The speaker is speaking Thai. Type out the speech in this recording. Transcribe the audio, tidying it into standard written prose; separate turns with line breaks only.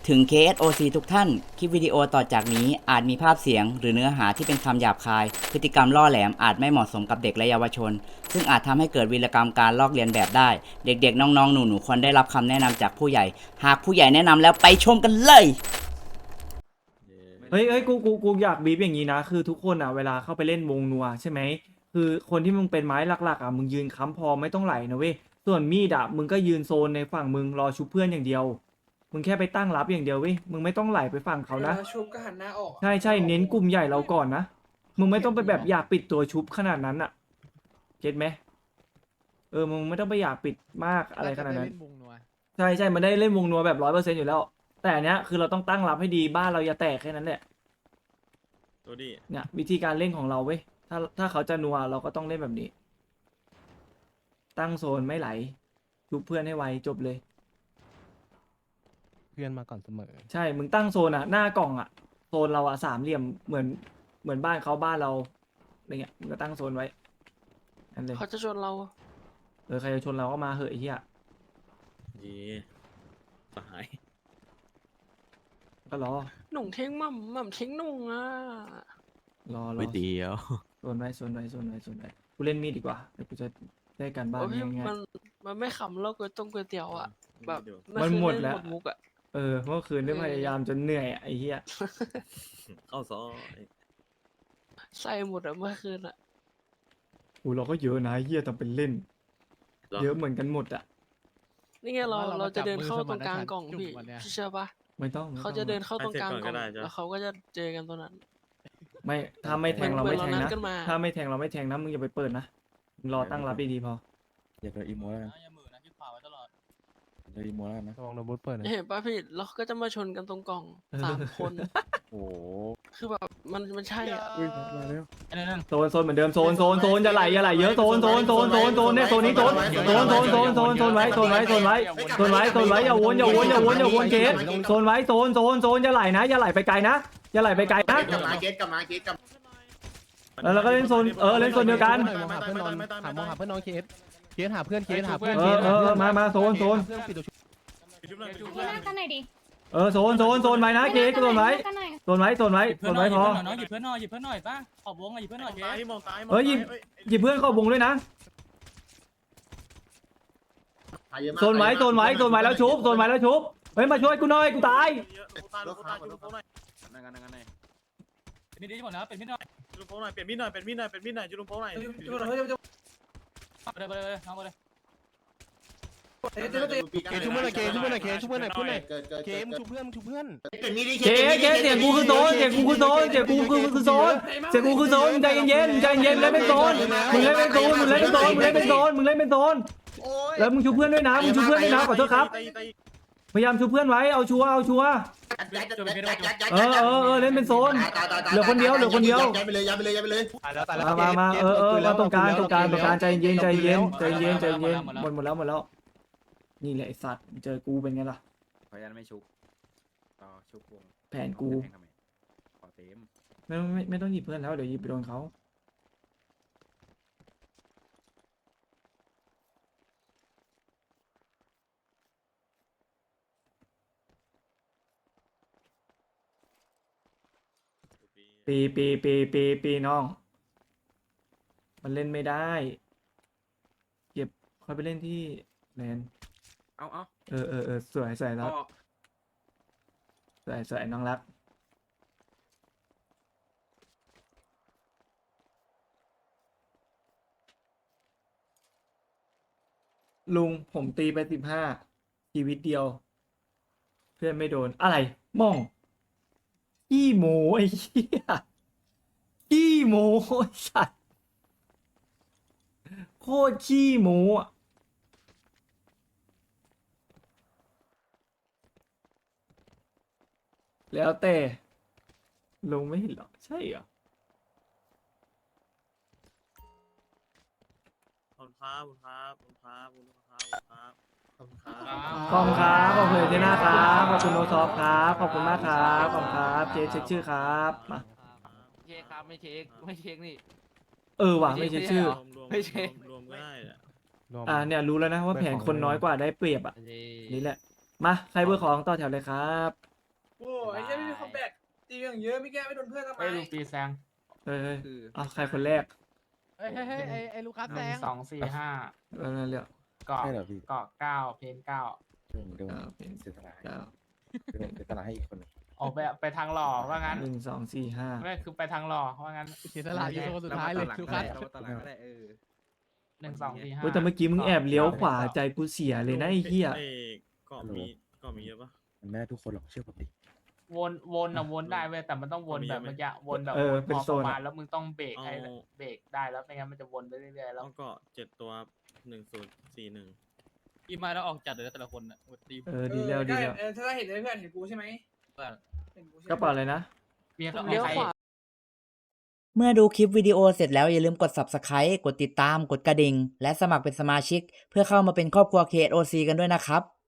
ถึง KSOC ทุกท่าน คลิปวิดีโอต่อจากนี้อาจมีภาพเสียงหรือเนื้อหาที่เป็นคำหยาบคาย พฤติกรรมล่อแหลมอาจไม่เหมาะสมกับเด็กและเยาวชน ซึ่งอาจทำให้เกิดวีรกรรมการลอกเลียนแบบได้ เด็กๆ น้องๆ หนูๆ ควรได้รับคำแนะนำจากผู้ใหญ่ หากผู้ใหญ่แนะนำแล้วไปชมกันเลย
เฮ้ยกูอยากบีบอย่างนี้นะคือทุกคนอ่ะเวลาเข้าไปเล่นวงนัวใช่ไหมคือคนที่มึงเป็นไม้หลักๆอ่ะมึงยืนค้ำพอไม่ต้องไหลนะเว้ยส่วนมีดอ่ะมึงก็ยืนโซนในฝั่งมึงรอชุบเพื่อนอย่างเดียวมึงแค่ไปตั้งรับอย่างเดียวเว้ยมึงไม่ต้องไหลไปฝั่งเขานะ
ชุบก็หันหน้าออก
ใช่เน้นกลุ่มใหญ่เราก่อนนะมึงไม่ต้องไปแบบอยากปิดตัวชุบขนาดนั้นอ่ะเก็ตไหมมึงไม่ต้องไปอยากปิดมากอะไรขนาดนั้นใช่มันได้เล่นวงนัวแบบ100%อยู่แล้ว แต่อันเนี้ยคือเราต้องตั้งรับให้ดีบ้านเราอย่าแตกแค่นั้นแหละ
ตัวดี
เนี่ยวิธีการเล่นของเราเว้ยถ้าเขาจะนัวเราก็ต้องเล่นแบบนี้ ตั้งโซนไม่ไหลชุบเพื่อนให้ไวจบเลย
เพื่อนมาก่อนเสมอ
ใช่มึงตั้งโซนอ่ะหน้ากล่องอ่ะโซนเราอ่ะสามเหลี่ยมเหมือนบ้านเขาบ้านเราอะไรเงี้ยมึงก็ตั้งโซนไว้นั่นเลย
เขาจะชนเรา
ใครจะชนเราก็มาเหอะไอ้เหี้ย
ยีสหาย
ก็รอ
หนุ่งทิ้งหม่ำทิ้งหนุ่งอ่ะ
รอ
ไม่เดียว
โซนไว้กูเล่นมีดดีกว่าเดี๋ยวกูจะได้การบ้าน
โอ้พี่
ง่าย
มันไม่ขำแล้วก๋วยเตี๋ยวอ่ะ แบบ
มันหมดแล้ว
หมดมุกอ่ะ
ๆเมื่อคืนได้พยายามจนเหนื่อยอะไอ้เหี้ย
เข้าซอย
ใส่หมดอ่ะเมื่อคืนอ่ะ
เราก็เยอะนะไอ้เหี้ยทำเป็นเล่น เยอะเหมือนกันหมดอะ
นี่ไงเรา
ว่าเรา
เราจะเดิน
จับมือ
เข้าตรง
สมาน
กลาง
ฉันท์
กล่อง
จุ่ม
พี่
วันเนี้ย
พี่เชื่อปะ
ไม่ต้อง
เขาจะเดินเข้าตรงกลางกล่องแล้วเขาก็จะเจอกันตรงนั้น
ไม่ถ้าไม่แทงเราไม่แทง
เหมือนเรานั
นะ
ดกันมา
ถ้าไม่แทงเราไม่แทงนะมึงอย่าไปเปิดนะมึงรอตั้งรับดีๆพอ
อย่าโดนอีโมแล้วกัน
อย่ามือนะที่ขวาไว้ตลอด
โดนอีโมแล้วกันนะ
ระวังโดนบูทเปิดนะ
เห็นปะพี่แล้วเขาก็จะมาชนกันตรงกล่อง3 คน
โอ้โห
คือแบบมันใช่อ่ะ
อุ้ยมาแล้ว
ไอ้นั่น
โซนเหมือนเดิมโซนอย่าไหลเยอะโซนเนี่ยโซนนี้โซนไว้อย่าวนเคสโซนไว้โซนอย่าไหลนะอย่าไหลไปไกลนะอย่าไหลไปไกลนะ
กลับมาเกตกลับมา
แล้วเราก็เล่นโซนเล่นโซนเดียวกัน
มองหาเพื่อนนอนมองหาเพื่อนนอนเคสหาเพื่อนหาเพื่อน
มาโซน
เพื่อนปิดตัวชุบ
ชุบเลยชุบ
หน้ากันหน่อยดิ
โซนไว้นะเคสโซนไว้
หน้ากันหน่อย
พอ
น้องหยิบเพื่อนหน่อยป่ะขอบวงหยิบเพื่อนหน่อยเจ๊
มองซ้าย
หยิบเพื่อนเข้าวงด้วยนะโซนไว้แล้วชุบเฮ้ยมาช่วยกูหน่อยกูตาย
มีดีหมดนะเป็นมิดหน่อย
จุลุงโป้หน่อยเปลี่ยนมีดหน่อยจุลุงโป้หน่อย
ไปเลยน้องไปเลย
เคชุบเพื่อนหน่อยเคชุบเพื่อนหน่อยเคมึงชุบเพื่อน
เป็นมีด
เคเสียงกูคือโซนใจเย็นเล่นเป็นโซนมึงเล่นเป็นโซนแล้วมึงชูเพื่อนด้วยนะขอโทษครับพยายามชูเพื่อนไว้เอาชัวร์เล่นเป็นโซนเหลือคนเดียว
ย้ายไปเลย
มาตรงกลางใจเย็นหมดแล้วนี่แหละไอสัตว์เจอกูเป็นไงล่ะ
ขออนุญาตไม่ชุบต่อชุบวง
แผนกู
ขอเต็ม
ไม่ต้องหยิบเพื่อนแล้วเดี๋ยวหยิบไปโดนเขาปีน้อง มันเล่นไม่ได้เก็บค่อยไปเล่นที่แลน
เอา
สวยแล้วสวยน้องรักลุงผมตีไป15ชีวิตเดียว เพื่อนไม่โดนอะไรม่องขี้หมูไอ้เหี้ยขี้หมูไอ้สัตว์โคตรขี้หมูอะแล้วแต่ลงไม่เห็นหรอใช่เหรอ
ขอบคุณครับ
ขอบคุณครับขอบคุณเจน่าครับขอบคุณโนซอฟครับขอบคุณมากครับขอบคุณครับเช็คชื่อครับมา
เช็คครับไม่เช็คนี่
ว่ะไม่เช็คชื่อ
รวมก็ได้แหละ
เนี่ยรู้แล้วนะว่าแผนคนน้อยกว่าได้เปรียบอ่ะนี่แหละมาใครเบอร์ของต่อแถวเลยครับ
โอ้ยไอ้เหี้ยไม่มีคอมแบทตีอย่างเยอะไม่แก้ไม่โดนเพื่อนทำไม
ไอ้ลูกปีแซง
เฮ้ย
คือ
เอาใครคนแรก
เฮ้ยไอ้ลูกค้า
ห
แซ
นึ่ง
ง
สองสี่ห้า
นั่นเรียก
เกาะเกาะเก้าเพนเก้า
เป็น
เสียสละ
เก้า
เสียสละให้อีกคนหนึ่ง
ออกไปทางหล่อว่างั้น
1 2 4 5
ไม่คือไปทางหล่อว่างั้น
เสียสละอยู่คนสุดท้ายเลยลูกค้า
เราตอนหลังก็ได้
หนึ่งสองสี่ห้า
เฮ้ยแต่เมื่อกี้มึงแอบเลี้ยวขวาใจกูเสียเลยนะไอ้เหี้ย
เอ้เกาะมีเยอะปะ
มันไม่ได้ทุกคนหรอกเชื่อผมดิ
วนได้เว้ยแต่มันต้องวนแบบเมื่อกี้วนแบบ
เป็น
พอ
โซ
ประ
น
มา
อะ
ณแล้วมึงต้องเบรกให้
เอา
เบรกได้แล้วไม่งั้นมันจะวนไปเรื่อยๆแล้ว
เอาเกาะ7 ตัว1041
อีมาแล้วออกจัดเลยแต่ละคนอ่ะตี
ดีแล้วดีแล้ว
ถ้าเห็นเลยเพื่อนเห็นกูใช่ไหมเห็นกูใช่ไหม
กระเป๋าอะไรนะ
มี
เลี้ยว
ใคร
ขวา
เมื่อดูคลิปวิดีโอเสร็จแล้วอย่าลืมกด Subscribe กดติดตาม กดกระดิ่ง และสมัครเป็นสมาชิก เพื่อเข้ามาเป็นครอบครัว KSOC กันด้วยนะครับ